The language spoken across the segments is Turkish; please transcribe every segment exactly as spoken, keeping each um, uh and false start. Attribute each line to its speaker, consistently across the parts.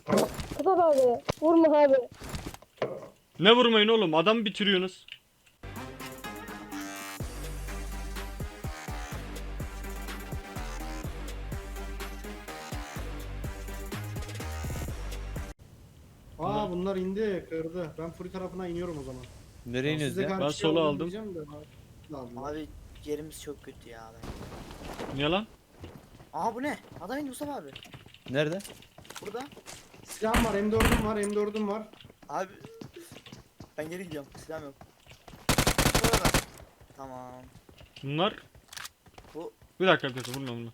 Speaker 1: Mustafa abi vurma abi.
Speaker 2: Ne vurmayın oğlum, adamı bitiriyorsunuz.
Speaker 3: Aa bunlar indi kırdı. Ben full tarafına iniyorum o zaman.
Speaker 4: Nereye iniyoruz
Speaker 3: Size
Speaker 4: ya?
Speaker 3: karşı
Speaker 2: Ben
Speaker 3: şey
Speaker 2: sola
Speaker 3: aldım
Speaker 2: aldım.
Speaker 3: diyeceğim de, aldım.
Speaker 5: Abi yerimiz çok kötü ya. Ben.
Speaker 2: Niye lan?
Speaker 5: Aha bu ne? Adam indi Mustafa abi.
Speaker 4: Nerede?
Speaker 5: Burada.
Speaker 3: Silahım var, M dördüm var, M dördüm var.
Speaker 5: Abi. Ben geri gidiyorum. Silahım yok. Burada. Tamam.
Speaker 2: Bunlar...
Speaker 5: Bu-
Speaker 2: Bir dakika bir dakika, vurma bunu.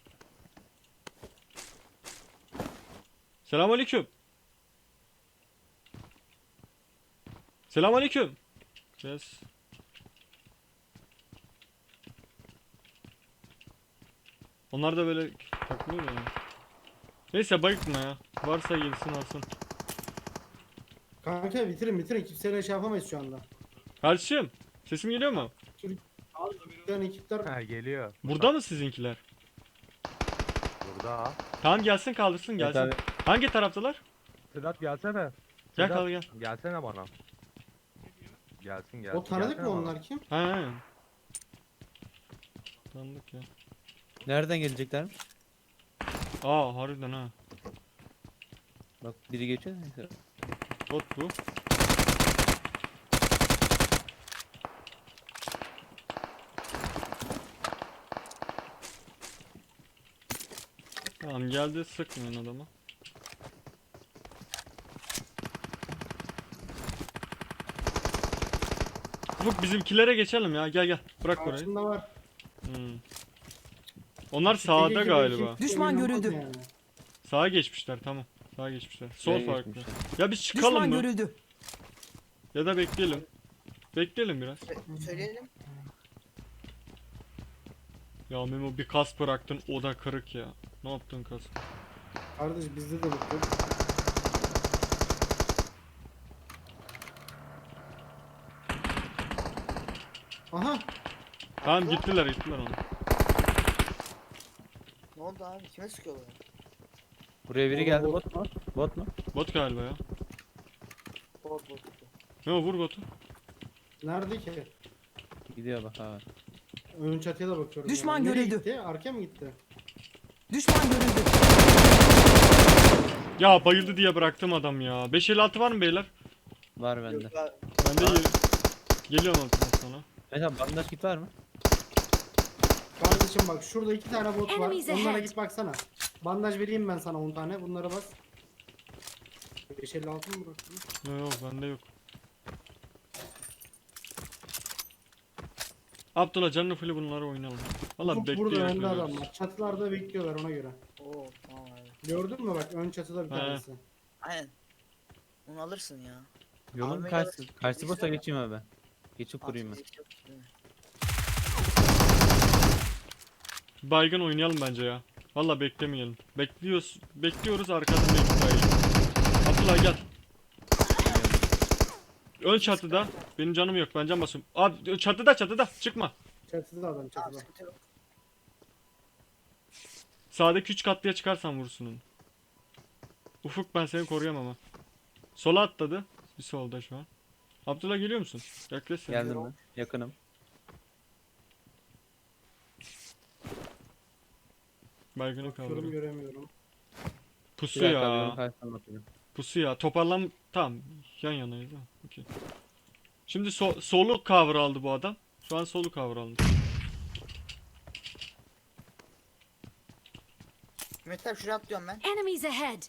Speaker 2: Selamünaleyküm. Selamünaleyküm. Ses. Onlar da böyle takılıyor yani. Neyse bayıkma ya. Varsa gelsin alsın.
Speaker 3: Kanka bitirin bitirin. Kimseyle şey yapamayız şu anda.
Speaker 2: Kardeşim, sesim geliyor mu?
Speaker 3: Yani ekipler
Speaker 6: Ha geliyor.
Speaker 2: Burada mı sizinkiler?
Speaker 6: Burada.
Speaker 2: Tamam gelsin kaldırsın
Speaker 4: Evet
Speaker 2: gelsin.
Speaker 4: abi.
Speaker 2: Hangi taraftalar?
Speaker 6: Sedat gelsene.
Speaker 2: Gel
Speaker 6: Sedat,
Speaker 2: kal gel.
Speaker 6: Gelsene bana. Gelsin gelsin.
Speaker 3: o tanıdık
Speaker 6: gelsene
Speaker 3: mı
Speaker 6: bana.
Speaker 3: onlar kim?
Speaker 2: Ha ha. Tanıdık ya.
Speaker 4: Nereden geleceklermiş?
Speaker 2: Aa harbiden ha.
Speaker 4: Bak biri geçiyor. Neyse.
Speaker 2: Bot bu. Tamam geldi, sıkmayın adamı. Ufuk bizimkilere geçelim ya, gel gel bırak orayı.
Speaker 3: Karşında var.
Speaker 2: Hmm. Onlar
Speaker 3: Ege
Speaker 2: sağda
Speaker 3: gibi
Speaker 2: galiba.
Speaker 3: kim-
Speaker 7: Düşman
Speaker 3: oynamaz
Speaker 7: görüldü.
Speaker 3: yani.
Speaker 2: Sağa geçmişler, tamam. Sağa geçmişler. Sol
Speaker 4: Nereye
Speaker 2: farklı.
Speaker 4: geçmişler?
Speaker 2: Ya biz çıkalım
Speaker 7: Düşman
Speaker 2: mı?
Speaker 7: görüldü.
Speaker 2: Ya da bekleyelim. Bekleyelim biraz.
Speaker 5: Sö- Söyleyelim.
Speaker 2: Ya Memo bir kas bıraktın, o da kırık ya. Ne yaptın kas?
Speaker 3: Kardeş bizde de bitti. Aha.
Speaker 2: Tamam gittiler gittiler onu.
Speaker 5: Ne oldu abi? Kime sıkıyorlar?
Speaker 4: Buraya biri
Speaker 3: Oğlum,
Speaker 4: geldi.
Speaker 3: bot.
Speaker 4: Bot mu? Bot mu?
Speaker 2: Bot galiba ya.
Speaker 5: Bot bot.
Speaker 2: Memo vur botu.
Speaker 3: Nerede ki?
Speaker 4: Gidiyor bak ha.
Speaker 3: Ön çatıya da bakıyorum.
Speaker 7: Düşman
Speaker 3: yani. Nereye
Speaker 7: görüldü.
Speaker 3: gitti? Arkaya mı gitti?
Speaker 7: Düşman görüldü.
Speaker 2: Ya bayıldı diye bıraktım adam ya. beş elli altı var mı beyler?
Speaker 4: Var bende.
Speaker 5: Yok abi.
Speaker 2: Ben de gel geliyorum altından sonra.
Speaker 4: Mesela bandaj kit var mı?
Speaker 3: Kardeşim bak şurada iki tane bot var.
Speaker 1: Enemies
Speaker 3: Onlara
Speaker 1: ahead.
Speaker 3: git baksana. Bandaj vereyim ben sana on tane. Bunlara bas. beş elli altı mı bıraktın?
Speaker 2: Yok yok bende yok. Abdullah canlı full bunları oynayalım. Valla
Speaker 3: Ufuk burada
Speaker 2: bekliyoruz.
Speaker 3: önde adamlar. Çatılarda bekliyorlar ona göre.
Speaker 5: Oo tamam abi.
Speaker 3: Gördün mü bak ön çatıda bir
Speaker 2: He.
Speaker 3: tanesi.
Speaker 5: Aynen. Onu alırsın ya.
Speaker 4: Yolun
Speaker 5: Almaya
Speaker 4: karşı,
Speaker 5: gelirsin.
Speaker 4: karşı bota
Speaker 5: İşte-
Speaker 4: geçeyim abi ben. Geçip kurayım ben.
Speaker 5: Fizik yok, değil mi?
Speaker 2: Baygın oynayalım bence ya. Valla beklemeyelim. Bekliyoruz. Bekliyoruz arkadan bekliyoruz. Abdullah gel. Ön çatıda. Benim canım yok. Ben can basıyorum. Abi çatıda çatıda. Çıkma.
Speaker 3: Çatıda adam
Speaker 5: Tamam
Speaker 3: çatıda.
Speaker 5: sıkıntı yok.
Speaker 2: Sağdaki üç katlıya çıkarsan vursun onu. Ufuk ben seni koruyamam ha. Sola atladı. Bir solda şu an. Abdullah geliyor musun? Yaklaş sen.
Speaker 4: Geldim ben. Yakınım.
Speaker 2: Baygını
Speaker 3: Bakıyorum
Speaker 2: kaldırıyor.
Speaker 3: göremiyorum.
Speaker 2: Pusu
Speaker 4: Bir dakika abi, yolun
Speaker 2: ya.
Speaker 4: karşısına bakıyorum.
Speaker 2: Pusu ya. Toparlan... Tamam. Yan yanayız ha. Okey. Şimdi so solu cover aldı bu adam. Şu an solu cover aldı.
Speaker 5: Mehmet abi şuraya atlıyorum ben.
Speaker 1: Enemies ahead.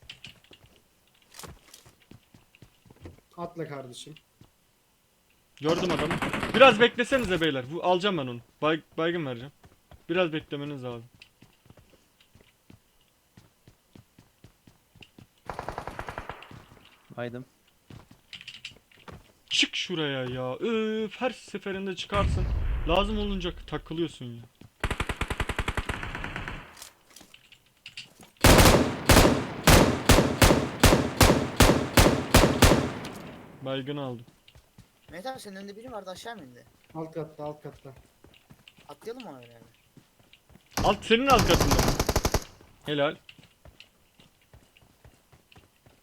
Speaker 3: Atla kardeşim.
Speaker 2: Gördüm adamı. Biraz beklesenize beyler. Bu alacağım ben onu. Bay baygın vereceğim. Biraz beklemeniz lazım.
Speaker 4: Aydım.
Speaker 2: Çık şuraya ya. Öf, her seferinde çıkarsın. Lazım olunca takılıyorsun ya. Baygın aldım.
Speaker 5: Mehmet abi senin önünde biri vardı aşağı mı indi?
Speaker 3: Alt katta alt katta.
Speaker 5: Atlayalım mı öyle yani?
Speaker 2: Alt senin alt katında. Helal.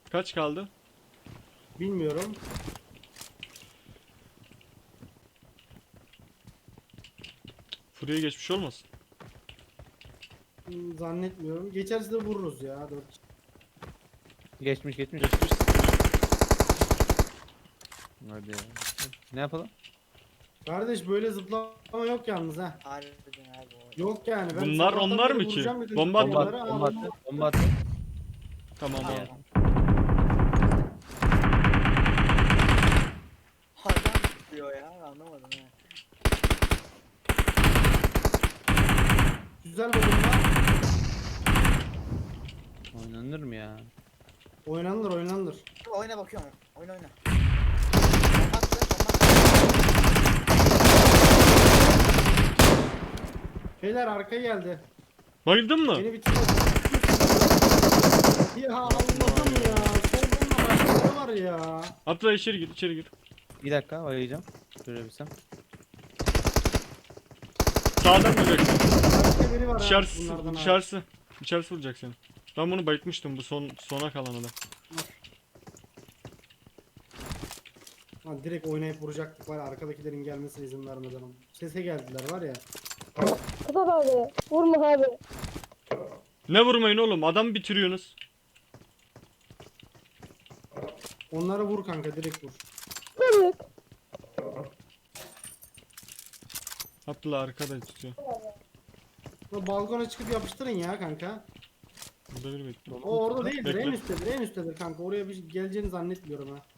Speaker 2: Kaç kaldı?
Speaker 3: Bilmiyorum.
Speaker 2: Furya geçmiş olmasın?
Speaker 3: Hmm, Zannetmiyorum. Geçerse de vururuz ya. Dört.
Speaker 4: Geçmiş geçmiş.
Speaker 2: Geçmiş.
Speaker 4: Hadi ya. Ne yapalım?
Speaker 3: Kardeş böyle zıplama yok yalnız ha.
Speaker 5: Harbiden abi o.
Speaker 3: Yok yani. Ben
Speaker 2: Bunlar
Speaker 3: sabahtan
Speaker 2: onlar
Speaker 3: beri
Speaker 2: mı ki?
Speaker 3: vuracağım dedim
Speaker 2: Bomba
Speaker 4: Bomba
Speaker 3: onlara,
Speaker 4: at,
Speaker 3: aa,
Speaker 4: bomba at,
Speaker 3: bomba-
Speaker 4: bomba at.
Speaker 2: Tamam
Speaker 5: Tamam.
Speaker 2: abi.
Speaker 5: Hayvan tutuyor ya anlamadım ha.
Speaker 3: Güzel bir bomba.
Speaker 4: Oynanır mı ya?
Speaker 3: Oynanılır oynanılır.
Speaker 5: Dur, oyna bakıyorum. Oyna oyna. Bomba attı, bomba attı.
Speaker 3: Beyler arkaya geldi.
Speaker 2: Bayıldın mı?
Speaker 3: Beni bitirdi. Ya Allah'ım ya. Solda başkaları var ya.
Speaker 2: Abdullah içeri gir, içeri gir.
Speaker 4: Bir dakika oynayacağım. Görebilsem.
Speaker 2: Sağdan vuracaksın.
Speaker 3: Başka biri var ha
Speaker 2: Dışarısı,
Speaker 3: bunlardan ha.
Speaker 2: dışarısı. İçerisi vuracak seni. Ben bunu bayıtmıştım, bu son sona kalan adam.
Speaker 3: Lan direkt oynayıp vuracaktık var ya, arkadakilerin gelmesine izin vermeden ama. Sese geldiler var ya.
Speaker 1: Sedat abi. Vurma abi.
Speaker 2: Ne vurmayın oğlum, adam bitiriyorsunuz.
Speaker 3: Onlara vur kanka, direkt vur.
Speaker 1: Kırık.
Speaker 2: Abdullah arkada tutuyor.
Speaker 3: O balkona çıkıp yapıştırın ya kanka.
Speaker 2: Burada biri bekliyor.
Speaker 3: O orada değildir,
Speaker 2: Bekle.
Speaker 3: en üsttedir, en üsttedir kanka. Oraya bir geleceğini zannetmiyorum ha.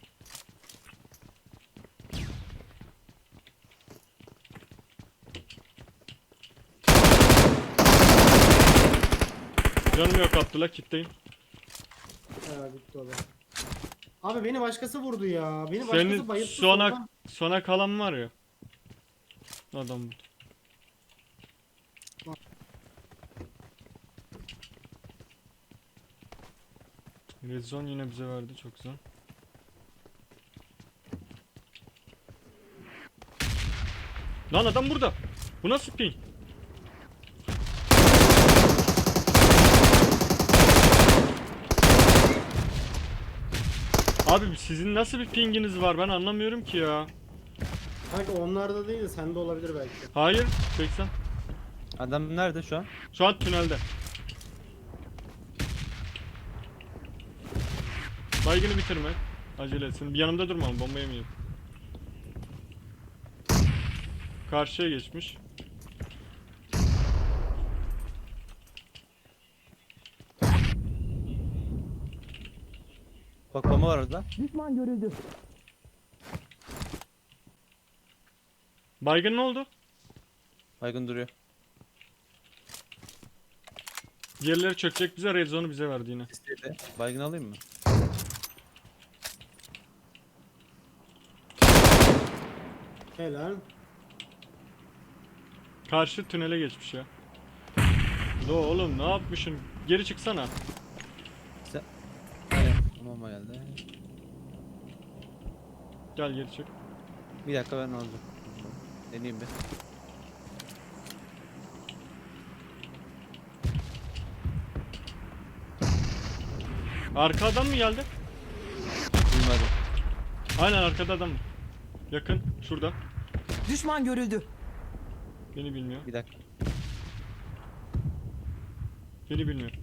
Speaker 2: Canım yok Abdullah, kitleyim.
Speaker 3: He bitti o da. Abi beni başkası vurdu ya. Beni başkası
Speaker 2: Senin
Speaker 3: bayılttı
Speaker 2: sona,
Speaker 3: sonra.
Speaker 2: sona kalan var ya. Adam bu. Rezon yine bize verdi, çok güzel. Lan adam burada. Bu nasıl ping? Abi sizin nasıl bir pinginiz var, ben anlamıyorum ki ya.
Speaker 3: Kanka onlarda değil de sende olabilir belki.
Speaker 2: Hayır, seksen.
Speaker 4: Adam nerede şu an?
Speaker 2: Şu an tünelde. Baygını bitirme. Acele etsin. Bir yanımda durma ama bomba yemeyeyim. Karşıya geçmiş.
Speaker 4: Bak bomba var orada.
Speaker 7: Düşman görüldü.
Speaker 2: Baygın ne oldu?
Speaker 4: Baygın duruyor.
Speaker 2: Diğerleri çökecek bize. Red zone'u bize verdi yine.
Speaker 4: İstedi. Baygın alayım mı?
Speaker 3: Helal.
Speaker 2: Karşı tünele geçmiş ya. Lo oğlum ne yapmışsın? Geri çıksana.
Speaker 4: Sen... Aynen. Bomba geldi.
Speaker 2: Gel geri çık.
Speaker 4: Bir dakika ben alacağım. Deneyeyim bir.
Speaker 2: Arka adam mı geldi?
Speaker 4: Duymadım.
Speaker 2: Aynen arkada adam. Yakın. Şurada.
Speaker 7: Düşman görüldü.
Speaker 2: Beni bilmiyor.
Speaker 4: Bir dakika.
Speaker 2: Beni bilmiyor.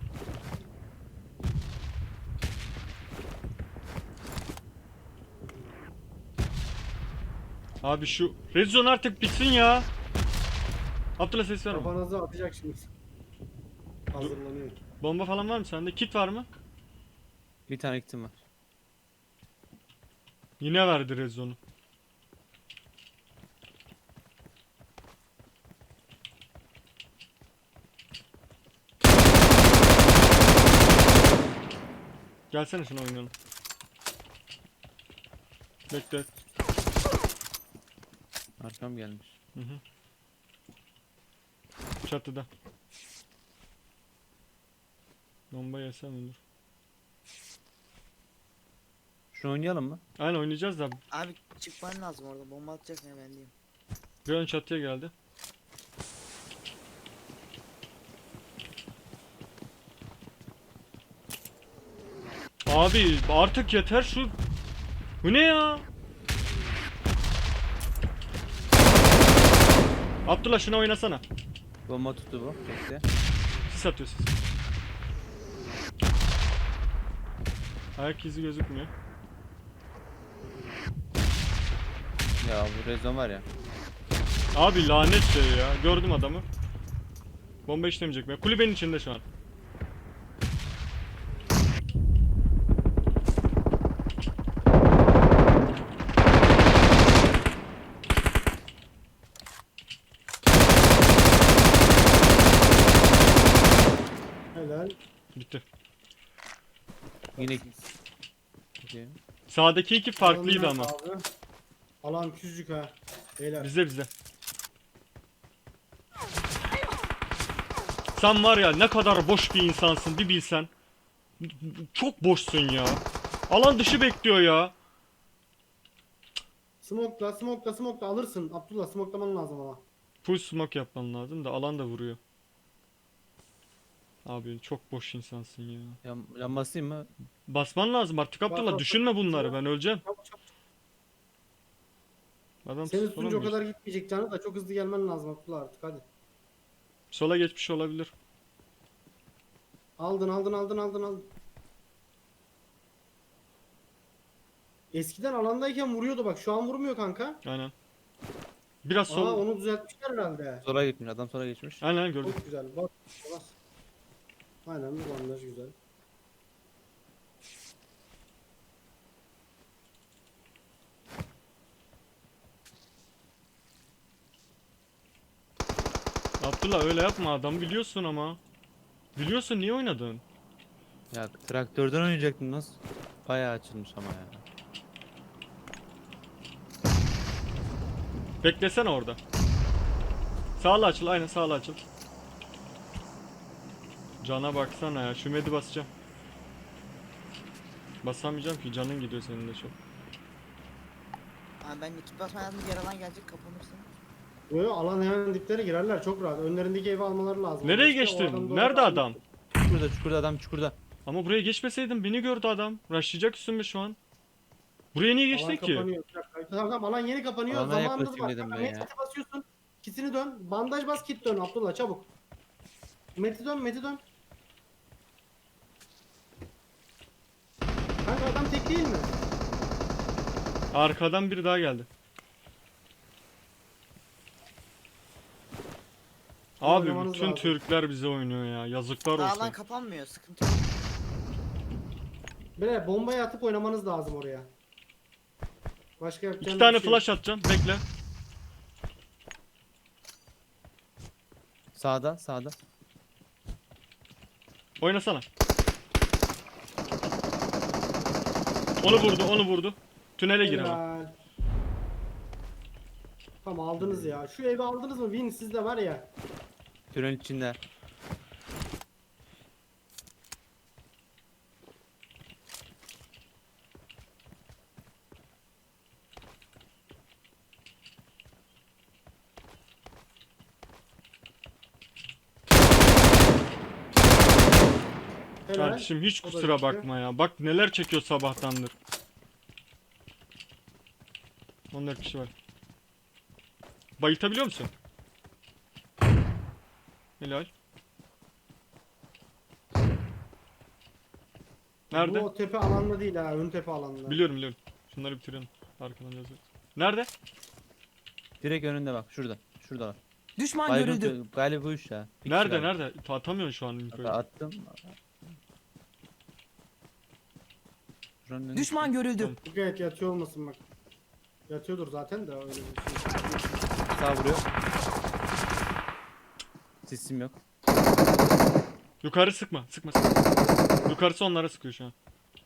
Speaker 2: Abi şu Red Zone artık bitsin ya. Abdullah ses verme.
Speaker 3: Kafanızı atacak şimdi. Hazırlanıyor.
Speaker 2: Bomba falan var mı sende? Kit var mı?
Speaker 4: Bir tane kitim var.
Speaker 2: Yine verdi Red Zone'u. Gelsene şuna oynayalım. Bekle.
Speaker 4: Arkam gelmiş.
Speaker 2: Hı hı. Çatıda. Bomba yesen olur.
Speaker 4: Şunu oynayalım mı?
Speaker 2: Aynen oynayacağız da
Speaker 5: Abi çıkman lazım orada. Bomba atacak ne ben diyeyim.
Speaker 2: bir ön çatıya geldi. Abi artık yeter şu. Bu ne ya? Abdullah şuna oynasana.
Speaker 4: Bomba tuttu bu. Bekle.
Speaker 2: Sis atıyor sis. Ayak izi gözükmüyor.
Speaker 4: Ya bu rezon var ya.
Speaker 2: Abi lanet şey ya. Gördüm adamı. Bomba işlemeyecek mi? Kulübenin içinde şu an.
Speaker 3: Helal.
Speaker 2: Bitti.
Speaker 4: Yine Okey.
Speaker 2: Sağdaki iki farklıydı
Speaker 3: Alan
Speaker 2: ama.
Speaker 3: nerede abi? Alan küçücük ha. Beyler.
Speaker 2: Bizde bizde. Sen var ya ne kadar boş bir insansın bir bilsen. Çok boşsun ya. Alan dışı bekliyor ya.
Speaker 3: Smoke'la smoke'la smoke'la alırsın. Abdullah smoke'laman lazım ama.
Speaker 2: Full smoke yapman lazım da alan da vuruyor. Abi çok boş insansın ya.
Speaker 4: Yan, yan basayım mı?
Speaker 2: Basman lazım artık Abdullah.
Speaker 3: bas, bas.
Speaker 2: Düşünme bunları, ben öleceğim.
Speaker 3: Çabuk çabuk.
Speaker 2: Adam
Speaker 3: Senin
Speaker 2: sola
Speaker 3: üstünce o
Speaker 2: mı
Speaker 3: kadar
Speaker 2: geçti?
Speaker 3: gitmeyecek canı da çok hızlı gelmen lazım Abdullah artık hadi.
Speaker 2: Sola geçmiş olabilir.
Speaker 3: Aldın aldın aldın aldın aldın. Eskiden alandayken vuruyordu bak şu an vurmuyor kanka.
Speaker 2: Aynen. Biraz
Speaker 3: Aa
Speaker 2: sol.
Speaker 3: onu düzeltmişler herhalde.
Speaker 4: Sola gitmiş. Adam sola geçmiş.
Speaker 2: Aynen gördüm.
Speaker 3: Çok güzel bak. Bas. Aynen bu bandaj güzel.
Speaker 2: Abdullah öyle yapma, adam biliyorsun ama. Biliyorsun, niye oynadın?
Speaker 4: Ya traktörden oynayacaktım nasıl? Bayağı açılmış ama ya.
Speaker 2: Beklesene orada. Sağla açıl, aynen sağla açıl. Cana baksana ya, şu medi basacağım. Basamayacağım ki, canın gidiyor senin de çok.
Speaker 5: Abi ben iki basma lazım, diğer alan gelecek, kapanırsın.
Speaker 3: Yo yo alan hemen diplere girerler çok rahat. Önlerindeki evi almaları lazım.
Speaker 2: Nereye
Speaker 3: İşte o
Speaker 2: geçtin?
Speaker 3: adam da
Speaker 2: Nerede
Speaker 3: orada-
Speaker 2: adam?
Speaker 4: Çukurda çukurda adam çukurda.
Speaker 2: Ama buraya geçmeseydin beni gördü adam. Rushlayacak üstüme şu an. Buraya niye
Speaker 3: Alan
Speaker 2: geçtin ki?
Speaker 3: kapanıyor. Bir dakika. Tamam tamam alan yeni kapanıyor.
Speaker 4: Alana
Speaker 3: Zamanınız
Speaker 4: yaklaşayım
Speaker 3: var.
Speaker 4: dedim
Speaker 3: Kanka,
Speaker 4: ben ya.
Speaker 3: Medkit'e basıyorsun. Kitini dön. Bandaj bas kit dön Abdullah çabuk. Meti dön Meti dön. Kanka adam tek değil mi?
Speaker 2: Arkadan biri daha geldi. Abi
Speaker 3: Oynamanız
Speaker 2: bütün
Speaker 3: lazım.
Speaker 2: Türkler bize oynuyor ya. Yazıklar
Speaker 5: Daha
Speaker 2: olsun.
Speaker 5: alan kapanmıyor, sıkıntı yok.
Speaker 3: Böyle bombayı atıp oynamanız lazım oraya. Başka yapacağım
Speaker 2: İki
Speaker 3: bir
Speaker 2: tane
Speaker 3: şey
Speaker 2: flash atacağım. Bekle.
Speaker 4: Sağda sağda.
Speaker 2: Oynasana. Onu vurdu, onu vurdu. Tünele
Speaker 3: yok.
Speaker 2: gir ama.
Speaker 3: Helal. Tamam aldınız ya. Şu evi aldınız mı? Win sizde var ya.
Speaker 4: Tünel içinde.
Speaker 3: Helal.
Speaker 2: Kardeşim hiç
Speaker 3: O da
Speaker 2: kusura
Speaker 3: gitti.
Speaker 2: bakma ya. Bak neler çekiyor sabahtandır. on dört kişi var. Bayıltabiliyor musun? Helal. Nerede?
Speaker 3: Bu o tepe alanda değil ha. Ön tepe alanda.
Speaker 2: Biliyorum biliyorum. Şunları bitirelim. Arkadan yazıyor. Nerede?
Speaker 4: Direkt önünde bak şurada. Şurada var.
Speaker 7: Düşman
Speaker 4: Baygın
Speaker 7: görüldü.
Speaker 4: tü- galiba bu iş ya. Bir kişi
Speaker 2: Nerede
Speaker 4: galiba.
Speaker 2: nerede? Ta- Atamıyorsun şu an infoyu.
Speaker 4: Attım. Şuranın önünde.
Speaker 7: Düşman görüldü.
Speaker 2: Tamam.
Speaker 3: Dikkat et yatıyor olmasın bak. Yatıyordur zaten de öyle bir şey.
Speaker 4: Sağ vuruyor. Sesim yok.
Speaker 2: Yukarı sıkma. Sıkma sıkma. Yukarısı onlara sıkıyor şu an.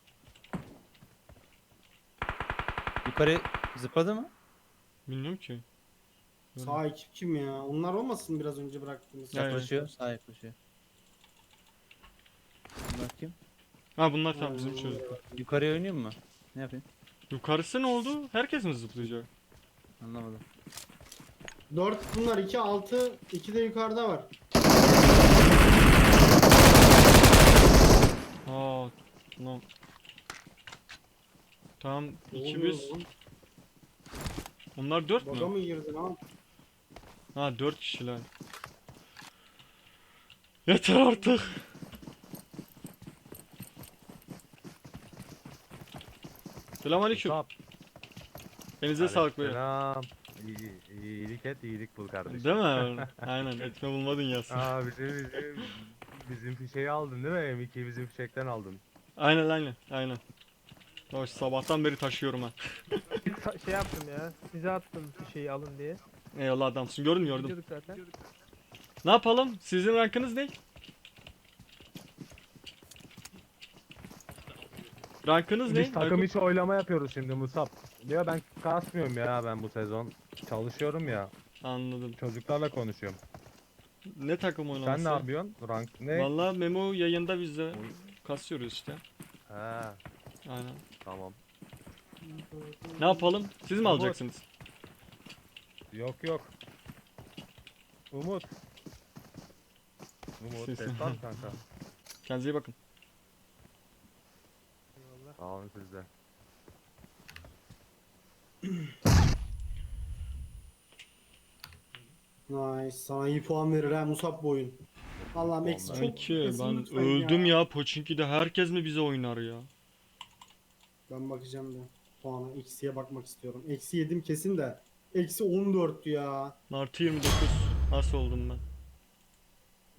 Speaker 4: Yukarı zıpladı mı?
Speaker 2: Bilmiyorum ki.
Speaker 3: Sağ ekip kim ya? Onlar olmasın biraz önce bıraktığımız.
Speaker 2: Ya, ya.
Speaker 4: Yaklaşıyor. Sağ yaklaşıyor. Bakayım.
Speaker 2: Ha bunlar tam bizim çocuklar.
Speaker 4: Yukarıya oynuyor mu? Ne yapayım?
Speaker 2: Yukarısı ne oldu? Herkes mi zıplayacak?
Speaker 4: Anlamadım.
Speaker 3: dört bunlar iki altı iki de yukarıda var.
Speaker 2: Aa, no. Tamam
Speaker 3: Ne
Speaker 2: iki
Speaker 3: oluyor
Speaker 2: biz.
Speaker 3: lan?
Speaker 2: Onlar dört
Speaker 3: Baga
Speaker 2: mü?
Speaker 3: mı girdin lan?
Speaker 2: Ha dört kişiler. Yeter artık. Selamünaleyküm.
Speaker 6: Musab.
Speaker 2: Elinize sağlık beyler.
Speaker 6: Selam. İyi, iyilik et, iyilik bul kardeşim.
Speaker 2: Değil mi? Aynen etme bulma dünyası.
Speaker 6: Aa bizim bizim bizim fişeği aldın değil mi? M ikiyi bizim fişekten aldın.
Speaker 2: Aynen aynen aynen. Hoş sabahtan beri taşıyorum ha.
Speaker 8: Sa- şey yaptım ya. Size attım bir şeyi alın diye.
Speaker 2: Eyvallah adamsın. Gördüm gördüm.
Speaker 8: Gidiyorduk zaten.
Speaker 2: Ne yapalım? Sizin rankınız ne? Rankınız ne?
Speaker 6: Biz takım içi oylama yapıyoruz şimdi Musab. Ya ben kasmıyorum ya ben bu sezon. Çalışıyorum ya.
Speaker 2: Anladım.
Speaker 6: Çocuklarla konuşuyorum.
Speaker 2: Ne takım oynaması?
Speaker 6: Sen ne yapıyorsun? Rank ne?
Speaker 2: Vallahi Memo yayında biz de kasıyoruz işte.
Speaker 6: He,
Speaker 2: Aynen.
Speaker 6: tamam.
Speaker 2: Ne yapalım? Siz mi
Speaker 6: Umut.
Speaker 2: alacaksınız?
Speaker 6: Yok yok. Umut. Umut
Speaker 2: Ses-
Speaker 6: ses var mı kanka?
Speaker 2: Kendinize iyi bakın.
Speaker 6: Sağ olun siz de.
Speaker 3: Nice. Sana iyi puan verir ha Musab bu oyun. Allah'ım eksi
Speaker 6: Vallahi.
Speaker 3: çok
Speaker 2: Peki
Speaker 3: kesin
Speaker 2: ben
Speaker 3: lütfen
Speaker 2: öldüm ya. Pochinki'de herkes mi bize oynar ya?
Speaker 3: Ben bakacağım da. Puana eksiye bakmak istiyorum. Eksi yedim kesin de. Eksi on dört ya.
Speaker 2: Artı yirmi dokuz. Nasıl oldum ben?